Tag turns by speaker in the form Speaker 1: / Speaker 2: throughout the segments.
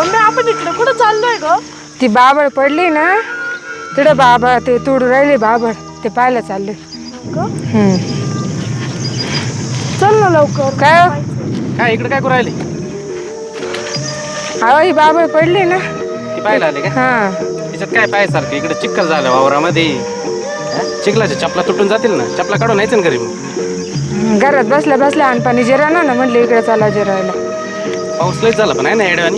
Speaker 1: Mummy आपण इकडे कुठं चाललोय ग?
Speaker 2: ती बाबळ पडली ना तिकडे बाबा ते तोडू राहिले बाबळ ते पाहायला चालले.
Speaker 1: चल ना लवकर.
Speaker 2: काय
Speaker 3: काय इकडे काय करू राहिली?
Speaker 2: अहो ही बाबळ पडली ना
Speaker 3: ती पाहायला आली का?
Speaker 2: हा
Speaker 3: तिच्यात काय पाहायसारखं? इकडे चिखल झालं वावरामध्ये. चिखलाच्या चपला तुटून जातील ना, चपला काढून यायचं ना घरी मग.
Speaker 2: घरात बसल्या बसल्या अनपाणी जिरा ना म्हणले इकडे चाला जिरायला.
Speaker 3: पाऊस लयच झाला पण आहे ना येड्यावानी.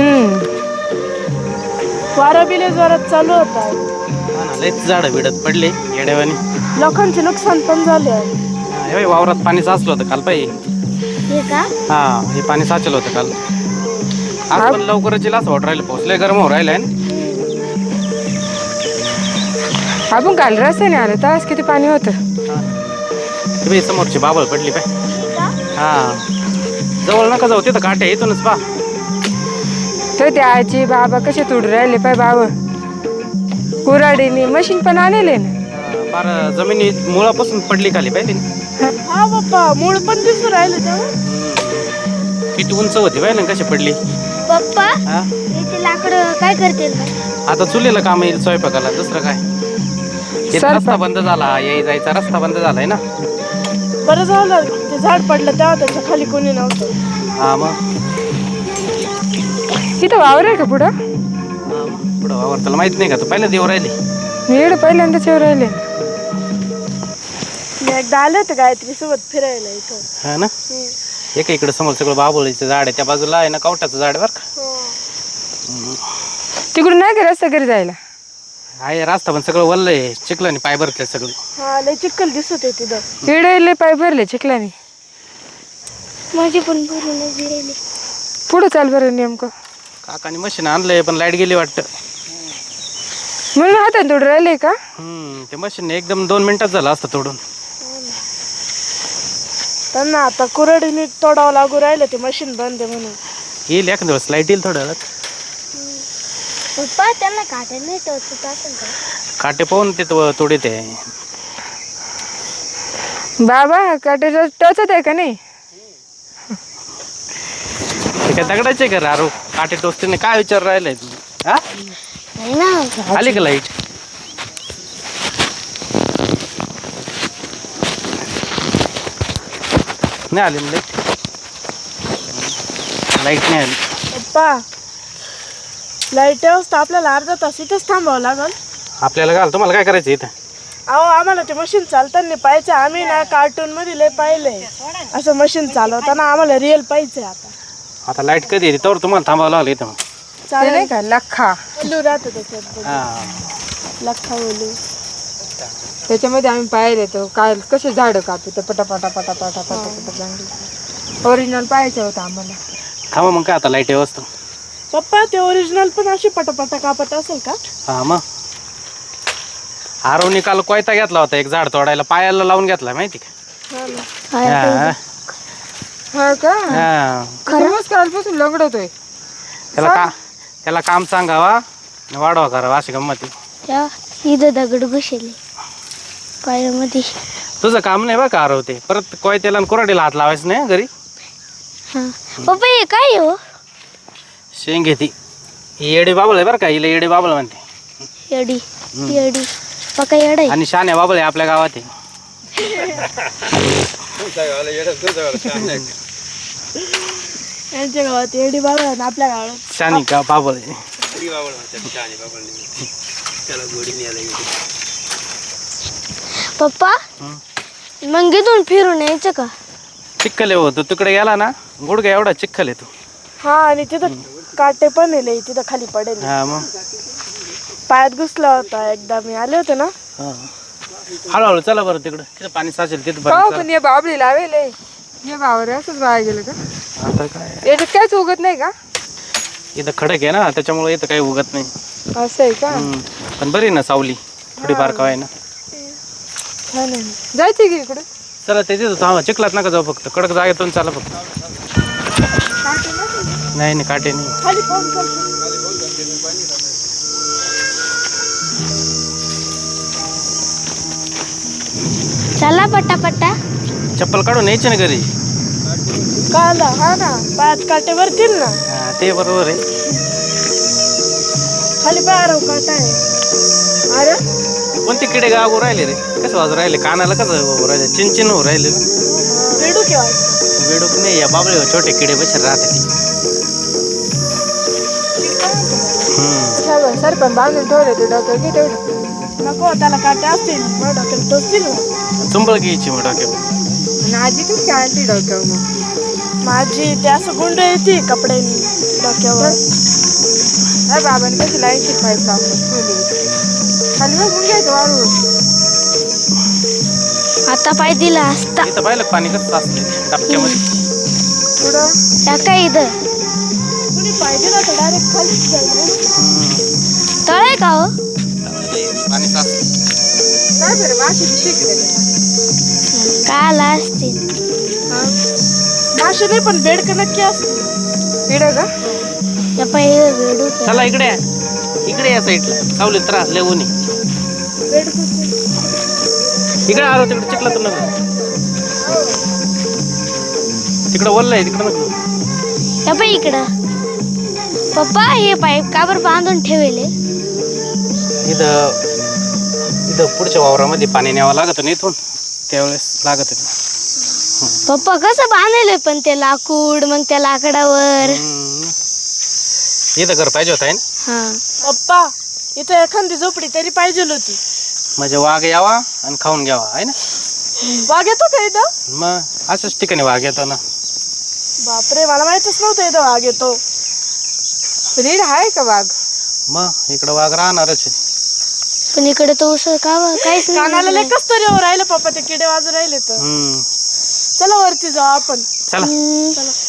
Speaker 1: वारा बिले जोरात चालू होता.
Speaker 3: हा ना, लयच झाडं बिडत पडले येड्यावानी.
Speaker 1: लोकांचे नुकसान पण झाले.
Speaker 3: हे वावरात पाणी साचलं होतं काल पाहिजे.
Speaker 1: हे का?
Speaker 3: हा, हे पाणी साचलं होतं काल. आज पण लवकरच येईल असं वाटू राहिलं. पाऊस लय गरम होऊ राहिलाय ना.
Speaker 2: आपण काल रस्त्याने आलो तर किती पाणी होतं.
Speaker 3: तुम्ही समोरची बाबळ पडली पाय. हा, जवळ नका जाऊ, तिथं काटे येतूनच पा.
Speaker 2: तर ते आजी बाबा कसे तोडू राहिले पाय बाबा. कुऱ्हाडीने मशीन पण आणले ना.
Speaker 3: फार जमिनी मुळापासून पडली खाली पाहिजे.
Speaker 1: हा पप्पा, मूळ पण दिसू राहिले तेव्हा.
Speaker 3: किती उंच होती पाहिजे ना, कशी पडली.
Speaker 4: पप्पा
Speaker 3: हा,
Speaker 4: ते लाकडं काय करते?
Speaker 3: आता चुलीला काम येईल स्वयंपाकाला, दुसरं काय. इथं रस्ता बंद झाला, याय जायचा रस्ता बंद झालाय ना.
Speaker 1: बरं झालं ते झाड पडलं तेव्हा त्याच्या खाली कोणी नव्हतं.
Speaker 3: हा मग
Speaker 2: इथं वावर आहे का पुढं?
Speaker 3: पुढं वावर त्याला माहित नाही का? तू पहिलं देव राहिली.
Speaker 2: मी इकडे पहिल्यांदाच येऊ राहिले.
Speaker 1: मी एकदा आले होते गायत्री सोबत फिरायला इथं.
Speaker 3: हा ना, एक इकडे समोर सगळं बाबुळीचं झाड आहे, त्या बाजूला आहे ना कवठाचं झाड बरं का.
Speaker 2: तिकडून नाही का रस्ता घरी जायला?
Speaker 3: आहे रस्ता पण सगळं वल्ल आहे, चिखलाने पाय भरले सगळं.
Speaker 1: हा, लय चिखल दिसत आहे तिथं.
Speaker 2: इकडे पाय भरले चिखलाने.
Speaker 4: माझी पण भरून राहिली.
Speaker 2: पुढं चाल बरं नेमकं.
Speaker 3: काकाने मशीन आणलंय पण लाईट गेली वाटतं.
Speaker 2: म्हणून हातात तोडू राहिले का?
Speaker 3: ते मशीन एकदम 2 मिनिटात झालं असतं तोडून.
Speaker 1: त्यांना आता कुऱ्हाडीने तोडावं लागू राहिलं, ते मशीन बंद आहे म्हणून.
Speaker 3: येईल एखाद्या दिवस लाईट येईल थोड्या वेळात.
Speaker 4: पप्पा त्यांना काटे नाही टोचत असेल का?
Speaker 3: काटे पाहून ते तोडीत आहे.
Speaker 2: बाबा काटे टोचत आहे का नाही?
Speaker 3: ते काय दगडाचे का रारू? काटे टोचते नाही काय विचार राहिलाय तू? हा,
Speaker 4: नाही ना.
Speaker 3: आली का लाईट? नाही आली ना लाईट नाही आली.
Speaker 1: पप्पा, लाईट तर आपल्याला अर्धा तास इथंच थांबावं लागल.
Speaker 3: आपल्याला घाल, तुम्हाला काय करायचं इथं?
Speaker 1: अहो, आम्हाला ते मशीन चालताना पाहिजे. आम्ही ना कार्टून मध्ये लय पाहिलंय असं मशीन चालवताना. आम्हाला रिअल पाहिजे.
Speaker 3: आता लाईट कधी येते तर तुम्हाला थांबावं लागलं इथं.
Speaker 2: ते नाही का लख्खा
Speaker 1: ओलू राहतो त्याच्यात.
Speaker 3: हा,
Speaker 1: लख्खा ओलू.
Speaker 2: त्याच्यामध्ये आम्ही पाहिले तो काय कसे झाडं कापू तर पटापटा पटापटा पटापटा चांगली ओरिजिनल पाहायचं होतं आम्हाला.
Speaker 3: थांबा मग काय आता लाईट व्यवस्था.
Speaker 1: पप्पा, ते ओरिजिनल पण अशी पटापटा कापत असेल का?
Speaker 3: हा मग आरवनी काल कोयता घेतला होता एक झाड तोडायला, पायाला लावून घेतला माहिती का? हा.
Speaker 2: हा का?
Speaker 3: हा.
Speaker 2: खरंच कालपासून लंगडतोय.
Speaker 3: त्याला काम सांगावा वाढवा करावा अशी गंमत.
Speaker 4: इथं दगड बसले पायामध्ये.
Speaker 3: तुझं काम नाही बा का आरव, ते परत कोयत्याला आणि कुऱ्हाडीला हात लावायचं नाही घरी.
Speaker 4: पप्पा हे काय हो?
Speaker 3: शेंग ती येडी बाबळ आहे बरं का, हिला येडी बाबळ म्हणते.
Speaker 4: येडी येडी पक्का येड आहे.
Speaker 3: आणि शाने बाबळ आहे आपल्या गावात.
Speaker 1: यांच्या गावात येडी बाबा आहे, आपल्या गावात
Speaker 3: शानी का बाबळ आहे.
Speaker 4: पप्पा मग इथून फिरून यायचं का?
Speaker 3: चिखल आहे हो, तू तिकडे गेला ना गुडघा एवढा चिखल आहे तू.
Speaker 1: हा, आणि तिथं काटे पण आहे तिथं खाली पडेल.
Speaker 3: हा मग
Speaker 1: पायात घुसला होता एकदा, मी आले होते ना.
Speaker 3: हळूहळू चला बरं तिकडं, तिथं पाणी साचेल तिथं
Speaker 2: पाहू
Speaker 3: बरं.
Speaker 2: पण हे बाबळी लावेल हे बावर असंच वाया गेलं का?
Speaker 3: आता काय
Speaker 2: याच्यात काहीच उगत नाही का?
Speaker 3: इथं खडक आहे ना त्याच्यामुळे इथं काही उगत नाही.
Speaker 2: असं आहे का?
Speaker 3: पण बरी ना सावली थोडीफार का आहे ना.
Speaker 2: छान आहे. जायचं की इकडे?
Speaker 3: चला ते तिथं थांबा, चिखलात नका जाऊ, फक्त कडक जागेतून चला फक्त. नाही नाही काटे नाही.
Speaker 1: खाली पाहून चल.
Speaker 4: चला पटापटा.
Speaker 3: चप्पल काढून यायची ना घरी.
Speaker 1: काला हा ना, पायात काटे भरतील ना.
Speaker 3: ते बरोबर आहे.
Speaker 1: खाली पायराव काटा आहे.
Speaker 2: अरे
Speaker 3: कोणते किडे गाव राहिले रे? कसं वाजू राहिले? कानाला कसं वाजू राहिले? चिनचिन हो राहिले.
Speaker 1: बेडू केव्हा
Speaker 3: बेडूक नाही, या बाबळे छोटे किडे बसे राहते ते.
Speaker 2: सर पण बांधून ठेवले ते डॉक्टर की तेवढं
Speaker 1: नको, त्याला काटे असतील मग डोक्याला टोचतील ना.
Speaker 3: चुंबळ घ्यायची मग डोक्यात.
Speaker 2: आणि आजी कशी काय आली डॉक्टर मग
Speaker 1: माझी ते असं गुंड येते कपड्यांनी डोक्यावर.
Speaker 2: अरे बाबाने कशी लाईनची पाईप टाकून ठेवली खाली बघून घ्यायचं वाळू.
Speaker 4: आता पाय दिला असता
Speaker 3: इथं पाहिलं पाणी कसं असते डबक्यामध्ये.
Speaker 2: पुढं
Speaker 4: त्या काय इथं
Speaker 1: कुणी पाहिजे ना तर डायरेक्ट खाली जाईल.
Speaker 4: तळ आहे का हो?
Speaker 3: पाणी साचते.
Speaker 2: काय बरं माशी दिसते की
Speaker 4: काय आला असतील.
Speaker 1: मासे नाही पण बेडक नक्की असते.
Speaker 2: पिढं का
Speaker 4: त्या पाय वेडू
Speaker 3: चला इकडे या. इकडे या साईडला सावलीत त्रास लय ऊन आहे. इकडे आलो तिकडे चिखला तर नको. तिकडं वल्ल आहे तिकडं नको.
Speaker 4: त्या पाय इकडं. पप्पा हे पाईप का बरं बांधून ठेवले?
Speaker 3: इथं इथं पुढच्या वावरामध्ये पाणी न्यावं लागत ना इथून, त्यावेळेस लागत.
Speaker 4: पप्पा कसं बांधले पण ते लाकूड मग त्या लाकडावर.
Speaker 3: इथं घर पाहिजे होत आहे ना,
Speaker 4: हा
Speaker 1: पप्पा इथं एखादी झोपडी तरी पाहिजे होती.
Speaker 3: म्हणजे वाघ यावा आणि खाऊन घ्यावा आहे ना.
Speaker 1: वाघ येतो का इथं?
Speaker 3: मग असंच ठिकाणी वाघ येतो ना.
Speaker 1: बापरे, मला माहितच नव्हतं इथं वाघ येतो.
Speaker 2: रीड आहे का वाघ?
Speaker 3: मग इकडं वाघ राहणारच आहे.
Speaker 4: पण इकडे तो उसळ का काहीच
Speaker 1: कानाला
Speaker 4: नाही.
Speaker 1: लय कस तरी राहिलं पप्पा, ते किडे वाजू राहिले तर. चला वरती जाऊ आपण.
Speaker 3: चला
Speaker 4: हम्म.